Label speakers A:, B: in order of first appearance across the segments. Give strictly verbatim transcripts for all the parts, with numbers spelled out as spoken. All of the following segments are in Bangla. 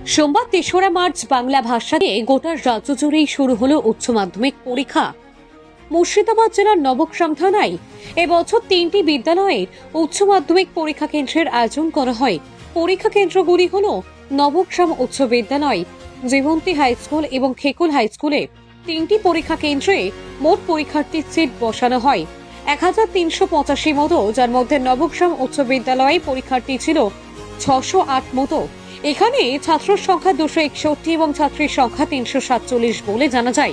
A: সোমবার তেসরা মার্চ বাংলা ভাষা দিয়ে গোটা রাজ্য জুড়েই শুরু হলো উচ্চ মাধ্যমিক পরীক্ষা। মুর্শিদাবাদ জেলার নবগ্রাম থানায় এবছর তিনটি বিদ্যালয়ের উচ্চ মাধ্যমিক পরীক্ষা কেন্দ্রের আয়োজন করা হয়। পরীক্ষা কেন্দ্রগুলি হল নবগ্রাম উচ্চ বিদ্যালয়, জীবন্তী হাই স্কুল এবং খেকুল হাই স্কুলে। তিনটি পরীক্ষা কেন্দ্রে মোট পরীক্ষার্থীর সিট বসানো হয় এক হাজার তিনশো পঁচাশি মতো, যার মধ্যে নবগ্রাম উচ্চ বিদ্যালয়ে পরীক্ষার্থী ছিল ছশো আট মতো। এখানে ছাত্র সংখ্যা দুশো একষট্টি এবং ছাত্রীর সংখ্যা তিনশো সাতচল্লিশ বলে জানা যায়।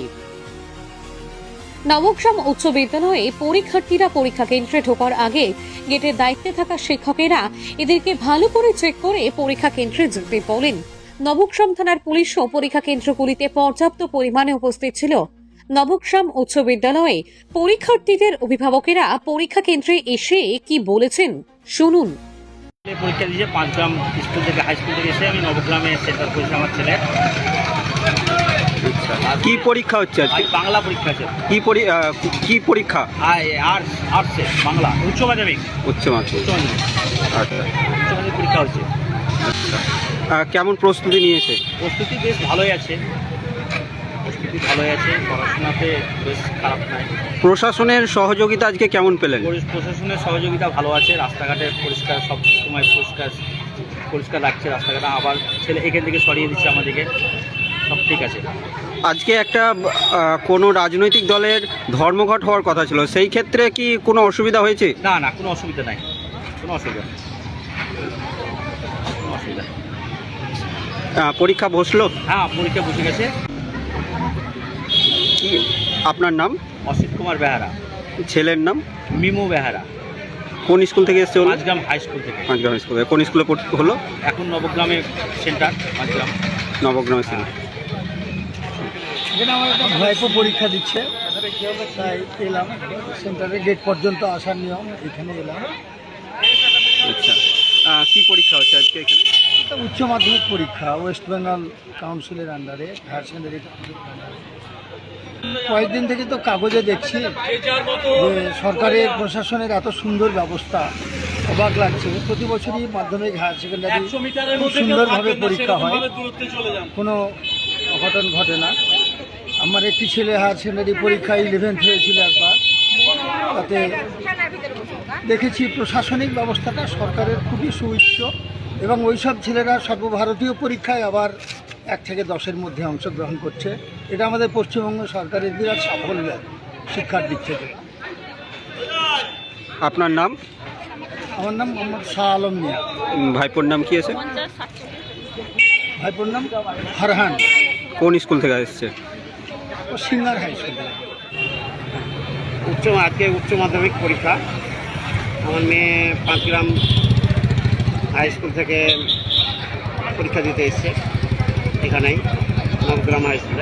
A: নবগ্রাম উচ্চ বিদ্যালয়ে পরীক্ষার্থীরা পরীক্ষা কেন্দ্রে ঢোকার আগে গেটের দায়িত্বে থাকা শিক্ষকেরা এদেরকে ভালো করে চেক করে পরীক্ষা কেন্দ্রে যেতে বলেন। নবগ্রাম থানার পুলিশও পরীক্ষা কেন্দ্রগুলিতে পর্যাপ্ত পরিমাণে উপস্থিত ছিল। নবগ্রাম উচ্চ বিদ্যালয়ে পরীক্ষার্থীদের অভিভাবকেরা পরীক্ষা কেন্দ্রে এসে কি বলেছেন শুনুন।
B: পরীক্ষা দিয়েছে পাঁচগ্রাম স্কুল থেকে, হাই স্কুল থেকে এসে আমি নবগ্রামে সেন্টার করেছি আমার ছেলে।
C: কি পরীক্ষা হচ্ছে আজকে?
B: বাংলা পরীক্ষা আছে।
C: কি পরি- আহ, কি পরীক্ষা?
B: আর্টস আর্টসে বাংলা উচ্চ মাধ্যমিক।
C: উচ্চ মাধ্যমিক।
B: উচ্চ মাধ্যমিক
C: আচ্ছা
B: উচ্চ মাধ্যমিক পরীক্ষা হচ্ছে।
C: আচ্ছা আহ, কেমন প্রস্তুতি নিয়েছে?
B: প্রস্তুতি বেশ ভালোই আছে, প্রস্তুতি ভালোই আছে, পড়াশোনাতে বেশ খারাপ নাই।
C: প্রশাসনের সহযোগিতা আজকে কেমন পেলেন?
B: পরি- প্রশাসনের সহযোগিতা ভালো আছে, রাস্তাঘাটে পরিষ্কার, সব সময় পরিষ্কার পরিষ্কার রাখছে রাস্তাঘাটে। আবার ছেলে এখান থেকে সরিয়ে দিচ্ছে আমাদেরকে, সব ঠিক আছে।
C: আজকে একটা আহ, কোনো রাজনৈতিক দলের ধর্মঘট হওয়ার কথা ছিল, সেই ক্ষেত্রে কি কোনো অসুবিধা হয়েছে?
B: না না, কোনো অসুবিধা নাই, কোনো অসুবিধা নেই, কোনো অসুবিধা নেই।
C: আহ, পরীক্ষা বসলো?
B: হ্যাঁ, পরীক্ষা বসে গেছে।
C: কি আপনার নাম?
B: অসিত কুমার বেহারা।
C: ছেলের নাম?
B: মিমু বেহারা।
C: কোন স্কুল থেকে এসছে?
B: পাঁচগ্রাম হাই স্কুল থেকে।
C: পাঁচগ্রাম স্কুল। কোন স্কুলে পড়তে হলো?
B: এখন নবগ্রামে সেন্টার, পাঁচগ্রাম
C: নবগ্রামে ছিল।
D: এখানে আমার একটা ভাইপো পরীক্ষা দিচ্ছে, তাই এলাম। সেন্টারে গেট পর্যন্ত আসার নিয়ম, এখানে এলাম।
C: আচ্ছা আহ, কি পরীক্ষা হচ্ছে আজকে এখানে?
D: এটা উচ্চ মাধ্যমিক পরীক্ষা, ওয়েস্ট বেঙ্গল কাউন্সিলের আন্ডারে, হায়ার সেকেন্ডারি কয়েকদিন থেকে তো কাগজে দেখছি যে সরকারের প্রশাসনের এত সুন্দর ব্যবস্থা, অবাক লাগছে। প্রতি বছরই মাধ্যমিক হায়ার সেকেন্ডারি খুব সুন্দরভাবে পরীক্ষা হয়, কোনো অঘটন ঘটে না। আমার একটি ছেলে হায়ার সেকেন্ডারি পরীক্ষায় ইলেভেন্থ হয়েছিল একবার, তাতে দেখেছি প্রশাসনিক ব্যবস্থাটা সরকারের খুবই সুউচ্চ, এবং ওইসব ছেলেরা সর্বভারতীয় পরীক্ষায় আবার এক থেকে দশের মধ্যে অংশগ্রহণ করছে। এটা আমাদের পশ্চিমবঙ্গ সরকারের বিরাট সাফল্য শিক্ষার দিক থেকে।
C: আপনার নাম?
D: আমার নাম মোহাম্মদ শাহ আলম মিয়া।
C: উম, ভাইপোর নাম কি আছে?
D: ভাইপোর নাম ফারহান।
C: কোন স্কুল থেকে এসছে?
D: ও সিঙ্গার হাই স্কুল থেকে।
B: উচ্চ আজকে উচ্চ মাধ্যমিক পরীক্ষা। আমার মেয়ে পাঁচগ্রাম হাই স্কুল থেকে পরীক্ষা দিতে এসছে, এখানেই নবগ্রাম হাই স্কুলে।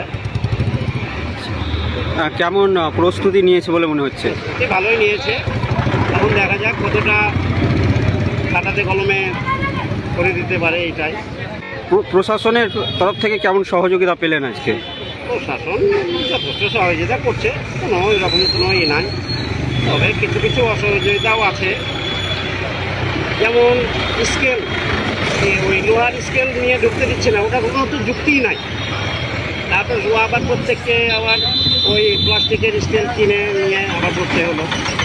C: আহ, কেমন আহ, প্রস্তুতি নিয়েছে বলে মনে হচ্ছে?
B: প্রস্তুতি ভালোই নিয়েছে, এখন দেখা যাক কতটা খাতাতে কলমে করে দিতে পারে, এইটাই।
C: প্র- প্রশাসনের তরফ থেকে কেমন সহযোগিতা পেলেন আজকে?
B: প্রশাসন যথেষ্ট সহযোগিতা করছে, কোনো এরকম কোনো ইয়ে নাই। তবে কিছু কিছু অসহযোগিতাও আছে, যেমন স্কেল, ওই লোহার স্কেল নিয়ে ঢুকতে দিচ্ছে না, ওটা কোনো তো যুক্তিই নাই। তারপর আবার প্রত্যেককে আবার ওই প্লাস্টিকের স্কেল কিনে নিয়ে আবার করতে হলো।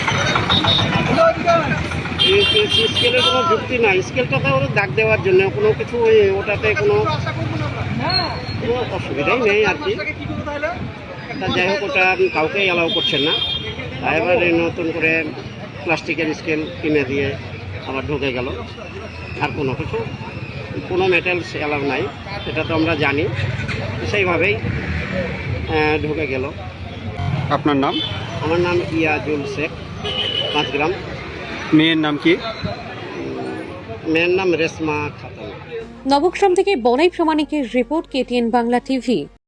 B: স্কেলের কোনো যুক্তি নাই, স্কেলটাতে ওরা দাগ দেওয়ার জন্য কোনো কিছু ওই ওটাতে কোনো কোনো অসুবিধাই নেই আর কি। তা যাই হোক, ওটা কাউকেই অ্যালাউ করছেন না। এবারে নতুন করে প্লাস্টিকের স্কেল কিনে দিয়ে আবার ঢুকে গেল। আর কোনো কিছু কোনো মেটেরিয়ালস অ্যালাউ নাই, সেটা তো আমরা জানি, সেইভাবেই আহ, ঢুকে গেল।
C: আপনার নাম?
B: আমার নাম ইয়াজুল শেখ, পাঁচগ্রাম।
C: মেয়ের নাম কি?
B: মেয়ের নাম রেশমা খাতুন।
A: নবগ্রাম থেকে বনাই প্রামাণিকের রিপোর্ট, কেটিএন বাংলা টিভি।